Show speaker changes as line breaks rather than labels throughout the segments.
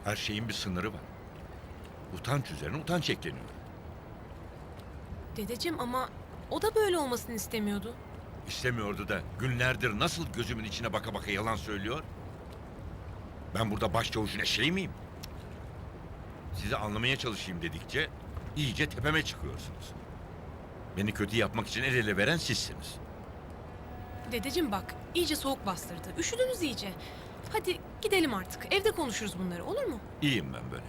Her şeyin bir sınırı var. Utanç üzerine utanç ekleniyor.
Dedeciğim ama o da böyle olmasını istemiyordu.
İstemiyordu da günlerdir nasıl gözümün içine baka baka yalan söylüyor? Ben burada başçavuşun eşeği miyim? Sizi anlamaya çalışayım dedikçe iyice tepeme çıkıyorsunuz. Beni kötü yapmak için el ele veren sizsiniz.
Dedeciğim bak, iyice soğuk bastırdı. Üşüdünüz iyice. Hadi gidelim artık. Evde konuşuruz bunları, olur mu?
İyiyim ben böyle.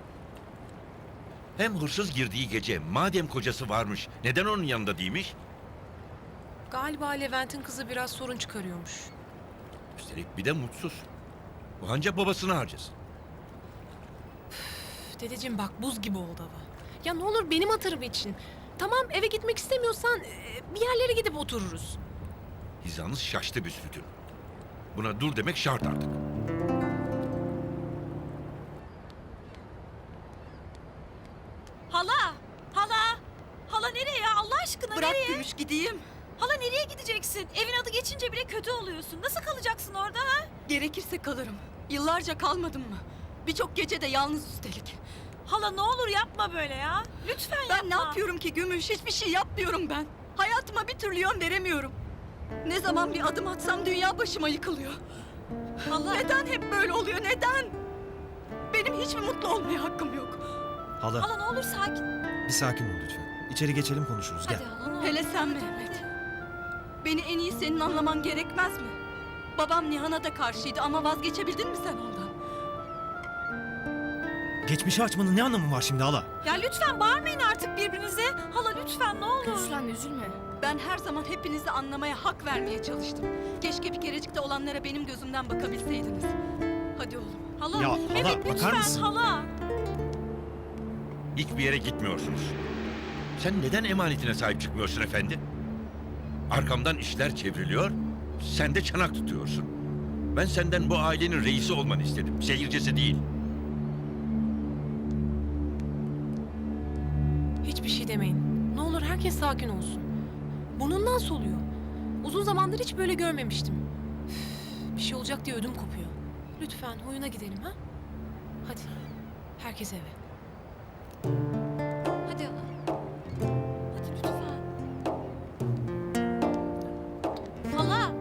Hem hırsız girdiği gece madem kocası varmış neden onun yanında değilmiş?
Galiba Levent'in kızı biraz sorun çıkarıyormuş.
Üstelik bir de mutsuz. O ancak babasını harcasın.
Üf, dedeciğim bak, buz gibi oldu hava. Ya ne olur benim hatırım için. Tamam, eve gitmek istemiyorsan bir yerlere gidip otururuz.
Hizanız şaştı büsbütün. Buna dur demek şart artık.
Hala! Hala! Hala nereye ya? Allah aşkına
Bırak
nereye?
Gümüş gideyim.
Hala nereye gideceksin? Evin adı geçince bile kötü oluyorsun. Nasıl kalacaksın orada ha?
Gerekirse kalırım. Yıllarca kalmadım mı? Birçok gece de yalnız üstelik.
Hala ne olur yapma böyle ya. Lütfen
Ben
yapma.
ne yapıyorum ki Gümüş? Hiçbir şey yapmıyorum ben. Hayatıma bir türlü yön veremiyorum. Ne zaman bir adım atsam dünya başıma yıkılıyor.
Hala.
Neden hep böyle oluyor? Neden? Benim hiç mi mutlu olmaya hakkım yok?
Hala,
Hala ne olur sakin.
bir sakin ol lütfen. İçeri geçelim konuşuruz.
Hadi
Gel.
hala ne olur.
Hele sen Mehmet. Beni en iyi senin anlaman gerekmez mi? Babam Nihan'a da karşıydı ama vazgeçebildin mi sen ondan?
Geçmişi açmanın ne anlamı var şimdi hala?
Ya lütfen bağırmayın artık birbirinize. Hala lütfen ne olur.
Lütfen üzülme.
Ben her zaman hepinizi anlamaya, hak vermeye çalıştım. Keşke bir kerecik de olanlara benim gözümden bakabilseydiniz. Hadi oğlum.
Hala,
Ya,
Mehmet
hala,
lütfen
bakar mısın?
hala.
Hiçbir yere gitmiyorsunuz. Sen neden emanetine sahip çıkmıyorsun efendi? Arkamdan işler çevriliyor, sen de çanak tutuyorsun. Ben senden bu ailenin reisi olmanı istedim, seyircisi değil.
Hiçbir şey demeyin. Ne olur herkes sakin olsun. Burnundan soluyor. Uzun zamandır hiç böyle görmemiştim. Üf, bir şey olacak diye ödüm kopuyor. Lütfen huyuna gidelim ha? Hadi. Herkes eve.
Hadi hala. Hadi lütfen. Hala.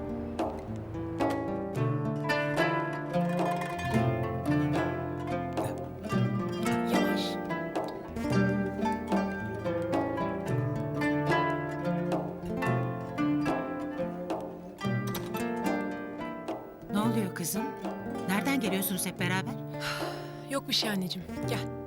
Yavaş.
Ne oluyor kızım? Nereden geliyorsunuz hep beraber?
Yok bir şey anneciğim. Gel.